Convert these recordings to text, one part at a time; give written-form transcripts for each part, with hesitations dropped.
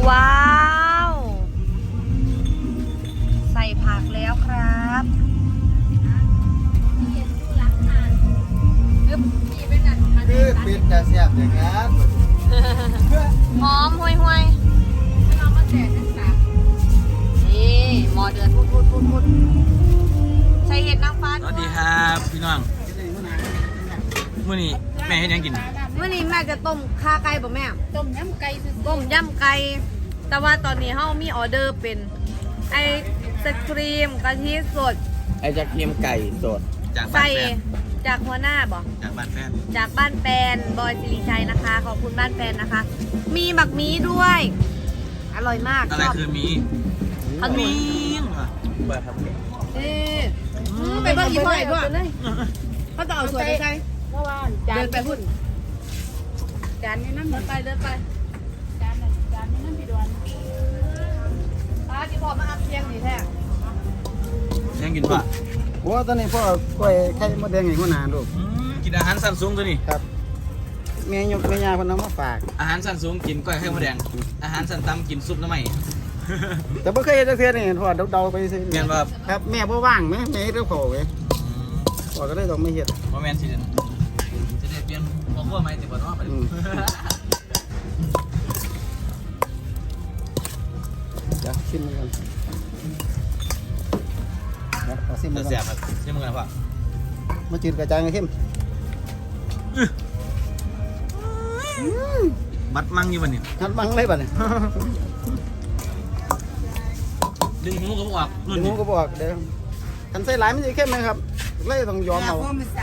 ว้าวใส่ผักแล้วครับคือปิดจะเสียบอย่างนั้นหอมห่วยห่วยนี่หมอเดือนพูดใส่เห็ดนางฟ้าสวัสดีครับพี่น้องมื้อนี้แม่เฮ็ดหยังกินเมื่อนี้แม่จะต้มข้าไก่ป่ะแม่ต้มยำไก่ซื้อต้มยำไก่แต่ว่าตอนนี้เฮามีออเดอร์เป็นไอศครีมกะทิสดไอ้จะเค็มไก่สดจากบ้าใส่นแฟนจากหัวหน้าบ่จากบ้านแฟนจากบ้านแฟนบอยสิริชัยนะคะ ขอบคุณบ้านแฟนนะคะ มีบักหมีด้วย อร่อยมากอะไรชอบคือมีขนุนว่ะบ้าครับไปเบิ่งอีกหน่อยด้วยเขาจะเอาสวยไปใช่เพราะว่าจานเดินไปพุ่นจานนี้น้ำเดินไปจานนี้น้ำพี่ดวนที่พอมาอัพเสียงนี่แท้ยังกินป่ะโอ้ตอนนี้พ่อกล้วยไข่มดแดงให้หัวหน้าลูกกินอาหารสั้นสูงตัวนี้ครับแม่ยกแม่ยาคนน้ำมาฝากอาหารสั้นสูงกินก้อยไข่มดแดงอาหารสั้นต่ำกินซุปน้ำไหมแต่บ่เคยเฮ็ดจักเทื่อนี่พ่อเดาๆไปซื่อแม่นบ่ครับครับแม่บ่ว่างแม่เฮ็ดกับข้าวเว้ยพ่อก็เลยต้องไม่เฮ็ดบ่แม่นสิจะได้เปลี่ยนพ่อครัวใหม่ติบ่เนาะไปดิเดี๋ยวชิมมันก่อนเดี๋ยวขอชิมมันก่แซ่อบ นครับชิมมึงกันพ่อมาจืดกระจายไงเข้มบัดมั่งอยู่บ่นี่หัดบังเลยบัดนี้ดึงหูก็บ่ออกรุ่นเดี๋ยวนี้ผมก็บอกเดี๋ยวคันใส่หลายมันจะเข้มไหมครับเลยต้องยอมเอา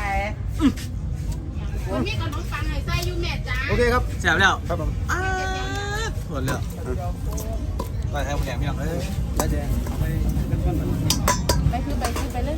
วันนี้ขนมปังให้ใส่อยู่แม่จ้าโอเคครับแซ่บแล้วครับผมหมดแล้วก้อยไข่มดแดงพี่น้องเอ้ยแล้วเดี๋ยวเอาไปเริ่มต้นก่อนไปซื้อไปเลย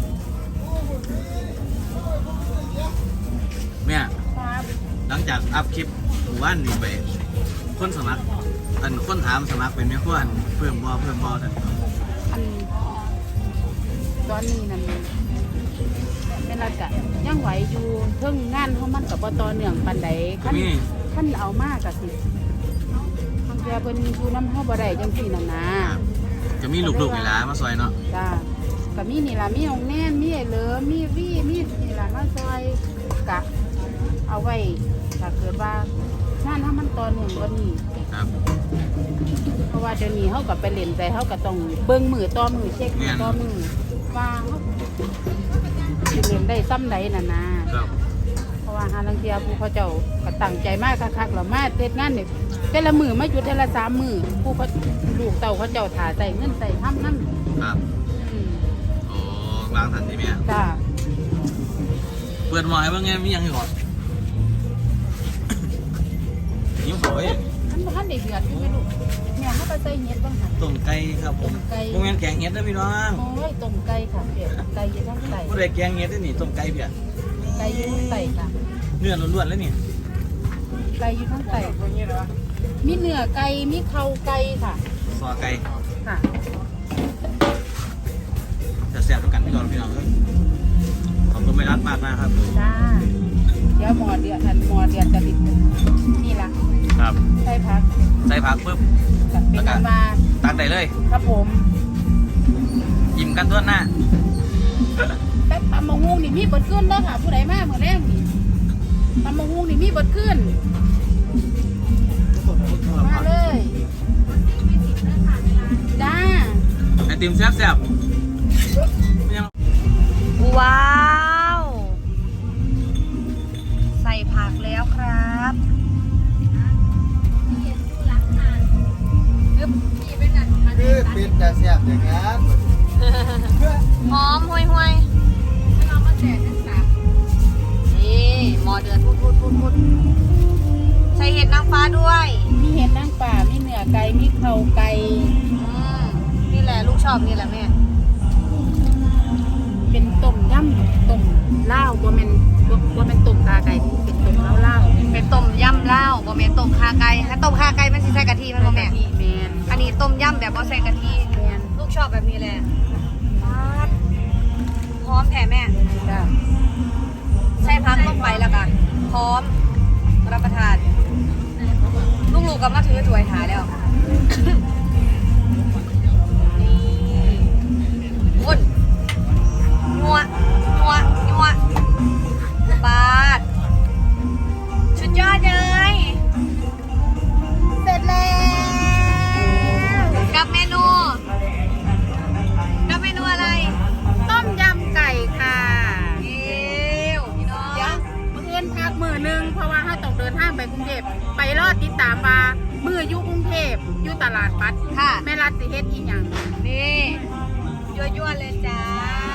แม่ครับหลังจากอัพคลิปหมู่บ้านนี่ไปคนสมัครคนถามสมัครเป็นแม่ครัวเพิ่มบ่แต่อันตอนนี้นั่นเป็นไรกะยังไหวอยู่เพิ่งงานเขามันกับปตเนื่องปันใดขั้นเอามากกะสิทางแกเพิ่นอยู่น้ำห้อบ่ได้จังซี่นั่นนะจะมีลูกๆเวลามาซอยเนาะจ้าก็มีนี่ล่ะมีองแน่นมีไอ้เหลือมีวี่มีนี่ล่ะมาซอยกะเอาไว้ถ้าเกิดว่างานถ้ามันต่อเนื่องกว่านี้ครับเพราะว่าเดี๋ยวนี้เขากับไปเล่นใจเขาก็ต้องเบิ่งมือต่อมือเช็คมือต่อมือว่าเขาสิเล่นได้ซ้ำใดน่ะนะครับ เพราะว่าหาลังเทียผู้เขาเจ้าก็ตั้งใจมากคักๆหรอมาเทศงานเนี่ยแต่ละมือมาหยุดแต่ละ3 มือผู้เขาลูกเต่าเขาเจ้าถ่าใส่เงินใส่ทำนั่นครับโอ้วางทันทีแม่จ้าเปิดหมอให้เบิ่งไงมีหยังอยู่ก่อนยิ้มโอยท่านได้เดือดอยู่ไหมลูกเนี่ยเขาไปใส่เห็ดบ้างหันต้มไก่ครับผมต้มไก่โรงงานแกงเห็ดนะพี่น้องโอ้ยต้มไก่ค่ะเปียกไก่อยี่ทั้งไก่ผู้ใดแกงเห็ดได้นี่ต้มไก่เพียไก่อยี่ทั้งไก่ค่ะเนื้อล้วนๆเลยนี่ไก่อยู่ทั้งไก่มีเนื้อไก่ มีเข่าไก่ค่ะซอไก่ค่ะจะแซ่บด้วยกันพี่น้องเอ้ยขอบคุณไม่รัดมากนะครับจ้า เดี๋ยวหมอเดือดจะติดนี่ละครับใส่ผักใส่ผักปุ๊บกับเป็นอันมาตักได้เลยครับผมยิ้มกันทั่วหน้าแป๊บตำมะฮุ่งนี่มีบดขึ้นเด้อค่ะ ผู้ใดมาเมื่อแรกนี่ตำมะฮุ่งนี่มีบดขึ้น มาเลยจ้าไอติมแซ่บๆยังว้าวใส่ผักแล้วครับคือปิดจะเสียบอย่างนั้นหอมห่วยห่วยนี่หมอเดือนพูดใส่เห็ดนางฟ้าด้วยมีเห็ดนางป่ามีเนื้อไก่ มีเข่าไก่นี่แหละลูกชอบนี่แหละแม่เป็นต้มยำต้มลาวบ่แม่นต้มขาไก่เป็นต้มลาวเป็นต้มยำเหล้าบ่แม่นต้มข่าไก่ถ้าต้มข่าไก่มันสิใส่กะทิมันบ่แม่ที่แมนอันนี้ต้มยำแบบบ่ใส่กะทิแมนลูกชอบแบบนี้แหละปั๊ดพร้อมแผ่แม่จ้าใส่พักลงไปแล้วกันพร้อมรับประทานลูกๆก็มาถือถ้วยหาแล้วคนนัวปาดสุดยอดเลยเสร็จแล้วกับเมนูอะไรต้มยำไก่ค่ะเอวพี่น้องเดี๋ยวมื้ออื่นพักมื้อนึงเพราะว่าเราต้องเดินทางไปกรุงเทพไปรอติดตามว่ามื้ออยู่กรุงเทพอยู่ตลาดปัดค่ะแม่รัฐสิเฮ็ดอีหยังนี่ยั่วๆเลยจ้า